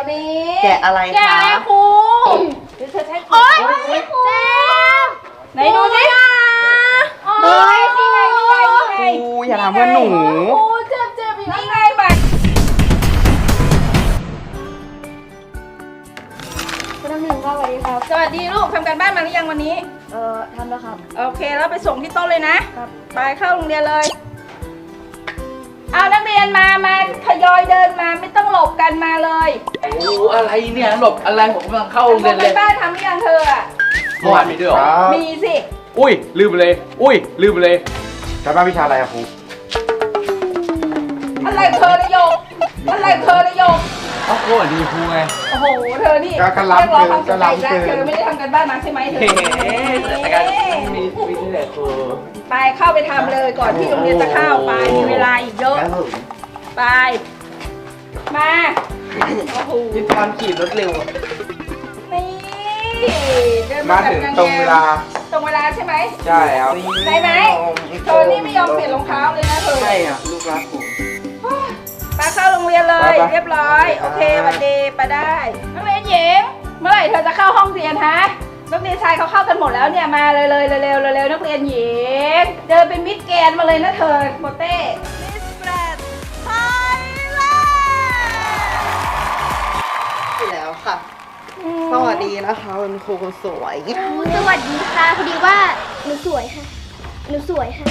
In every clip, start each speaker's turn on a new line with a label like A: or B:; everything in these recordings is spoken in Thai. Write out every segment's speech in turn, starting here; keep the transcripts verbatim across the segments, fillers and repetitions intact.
A: นี้
B: แกะอะไรคะแกะอะไรครู
A: เดี๋ยวเธอใช้
B: โอ๊ยครู
A: ไหนดูสิเฮ้ยนี่ไงนี่ไงนี่ไง
B: ครูอย่าทำเพื่อนหนู
A: ครูเจ็บเจ็บนี่ไงบัตรคุณน้ำหนึ่งก็สวัสดีครับสวัสดีลูกทำการบ้านมาหรือยังวันนี้
C: เอ่อทำแล้วครับ
A: โอเคแล้วไปส่งที่โต๊ะเลยนะครับไปเข้าโรงเรียนเลยเอานักเรียนมามาทยอยเดินมาไม่ต้องหลบกันมาเลย
D: โอ้อะไรเนี่ยหลบอะไรผมกำลังเข้าโรงเรียนเลย
A: ทำการบ้านทำหรือยังเธออ่ะ
D: เมื่อวานมีด้วยเหรอ
A: มีสิ
D: อุ้ยลืมไปเลย อุ้ยลืมไปเลย
E: การบ้านวิชาอะไรอะครู
A: อะไรเธอระยกอะไรเธอระยก
D: เอ้าโอ้ดีครูไง
A: โอ้โหเธอนี่เรียกร้องความสนใจแล้วเธอไม่ได้ทำการบ้านมาใช่ไหมเธอ
D: เฮ้แต่การมีมีที่ไหนครู
A: ไปเข้าไปทำเลยก่อนที่โรงเรียนจะเข้าไปมีเวลาอีกเยอะไปมาโอ้โห
B: มีความขี่รถเร็ว
A: นี่เดิน
E: มา
A: แบบ
E: ถึง
A: ง
E: ตรงเวลา
A: ตรงเวลาใช่ไหม
E: ใช่ครับ
A: ได้ไหมเธอนี่ไม่ยอมเปลี่ยนรองเท้าเลยนะเธอ
B: ใช่อ่ะลูกรักผม
A: มาเข้าโรงเรียนเลยเรียบร้อยโอเคสวัสดีไปได้นักเรียนหญิงเมื่อไหร่เธอจะเข้าห้องเรียนฮะนักเรียนชายเขาเข้ากันหมดแล้วเนี่ยมาเลยเลยเร็วๆเร็วๆนักเรียนหญิงเดินเป็นมิดแกนมาเลยนะเธอโมเต้มิสแกรนด์ไทยแลนด์
B: แล้วค่ะ สวัสดีนะคะคุณครูคนสวย
C: สวัสดีค่ะพอดีว่าหนูสวยค่ะหนูสวยค่ะ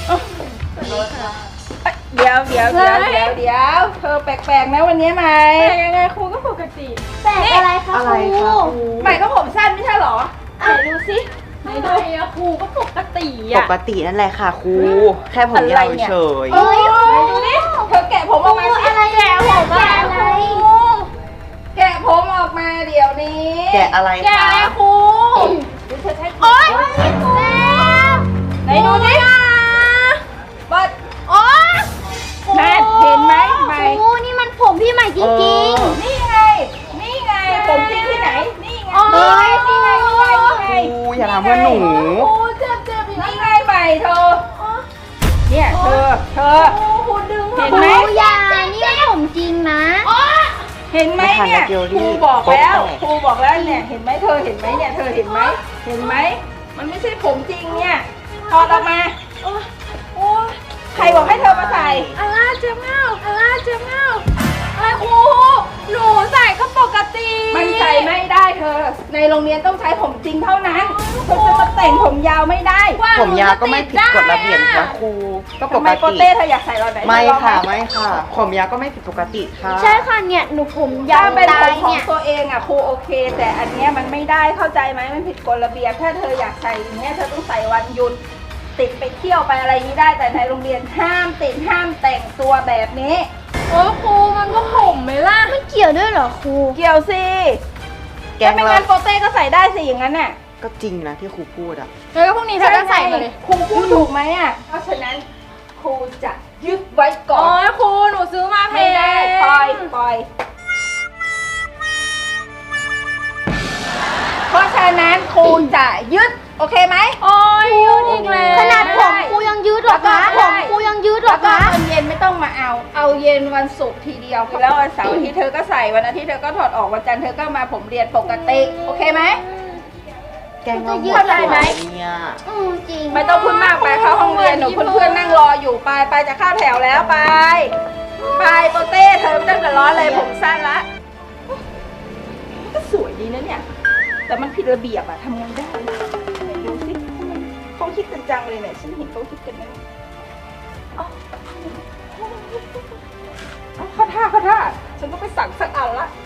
A: เดี๋ยวเดี๋ยวเดี๋ยวเดี๋ยวเดี๋ยวเธอแปลกๆนะวันนี้ไหมแปลกยังไงครูก็ปกติ
C: แปลกอะไรคะ
B: อะไร
C: ครู
B: คะครู
A: ใหม่ก็ผมสั้นไม่ใช่หรอไหนดูสิไหนดู
C: อะครูก็ปกติ
B: ป
C: อะ
B: กตินั่นแหละค่ะครู แค่ผมยาวเฉย
A: เอ้ยไหนดูดิเธอแกะผมออกมาสิ
C: อะไรแกะผมอะไร
A: แกะผมออกมาเดี๋ยวนี้
B: แกะอะไร
C: แกะ
B: คะ
C: อะไรครู
A: เดี๋ยวเธอใช้
C: โอ๊ยแซม
A: ไหนดูดิบัด
C: โอ๊ย
A: แม่เห็นไหมไหม
C: ครูนี่มันผมพี่ใหม่จริง
A: นี่ไง นี่ไง ผมจริงที่ไหน นี่ไง
C: โอ๊ย
A: นี่ไงนี่ไงนี่ไง
B: ครูอย่าทำเพื่อนหนู
A: โอ้เจ็บเจ็บนี่ไงใหม่เธอ เนี่ยเธอ เธอ เห็น
C: ๆค
A: ไหม
C: รูอยานี่มันผมจริงนะ
A: เห็นไหมเนี่ยครูบอกแล้วครูบอกแล้วเนี่ย เห็นไหมเธอเห็นไหมเนี่ย เธอเห็นไหม เห็นไหม มันไม่ใช่ผมจริงเนี่ยถอดออกมาโอ้ใครบอกให้เธอมาใส่
C: อะไรเจ็บเงาอะไรเจ็บเงาอะไรครูหนูใส่ก็ปกติ
A: มันใส่ไม่ได้เธอ ในโรงเรียนต้องใช้ผมจริงเท่านั้นเธอจะมาแต่งผมยาวไม่ได้
B: ผมยาวก็ไม่ผิดกฎระเบียบนะครู ก็ป
A: ทำไม
B: ก
A: โป
B: ติ
A: เต้เธออยากใส่เราไหน
B: ไม่
A: เธอลอง
B: ค่ะ
A: ห
B: ไม่ค่ะ ผมยาวก็ไม่ผิดปกติค่ะ
C: ใช่ค่ะเนี่ยหนูผมยา
A: ถ้าวเป็น
C: ได้
A: ผมของ
C: เนี่ย
A: ตัวเองอ่ะครูโอเค แต่อันเนี้ยมันไม่ได้เข้าใจไหมมันผิดกฎระเบียบ ถ้าเธออยากใส่อย่างเงี้ยเธอต้องใส่วันหยุดติดไปเที่ยวไปอะไรอย่างนี้ได้ แต่ในโรงเรียนห้ามติดห้ามแต่งตัวแบบนี้
C: โอ้ครูมันก็ผมไหมล่ะไม่เกี่ยวด้วยเหรอครู
A: เกี่ยวสิ
B: แก
A: ถ้าง ไม่
B: เรา
A: งั้นโปเต้ก็ใส่ได้สิอย่างนั้นน่ะ
B: ก็จริงนะที่ครูพูดอ่ะ
C: แล้วก็พรุ่งนี้เธอก็ใส่มาเลย
A: ครูพูดถูกไหมอ่ะ เพราะฉะนั้นครูจะยึดไว้ก่อน
C: โอ้ยครูหนูซื้อมาแพ
A: ไม่ได้
C: ง
A: ปล่อยปล่อย เพราะฉะนั้นครูจะยึดโอเคไหม
C: โอ้ยยืดอีกแล้วขนาดผมครูยังยืดหรอคะผมครูยังยืดหร
A: แล้
C: อ
A: วก็
C: คะ
A: ตอนเย็นไม่ต้องมาเอา เอาเย็นวันศุกร์ทีเดียว แล้ววันเสาร์อาทิตย์เธอก็ใส่วันอาทิตย์เธอก็ถอดออกวันจันทร์เธอก็มาผมเรียนปกติโอเคไหม
B: แกงเราหมด
A: เข้าใจไหม
B: เนี่ย
C: อืมจริง
A: ไม่ต้องพูดมากไปเข้าห้องเรียนหนูเพื่อนๆนั่งรออยู่ไปไปจะเข้าแถวแล้วไปไปโปเต้เธอไม่ต้องเดือดร้อนเลยผมสั้นละก็สวยดีนะเนี่ย แต่มันผิดระเบียบอะทำไงได้ไหนดูสิเขาคิดกันจังเลยเนี่ยฉันเห็นเขาคิดกันนะเอาเอาเข้าท่าเข้าท่าฉันต้องไปสั่งสักอันละ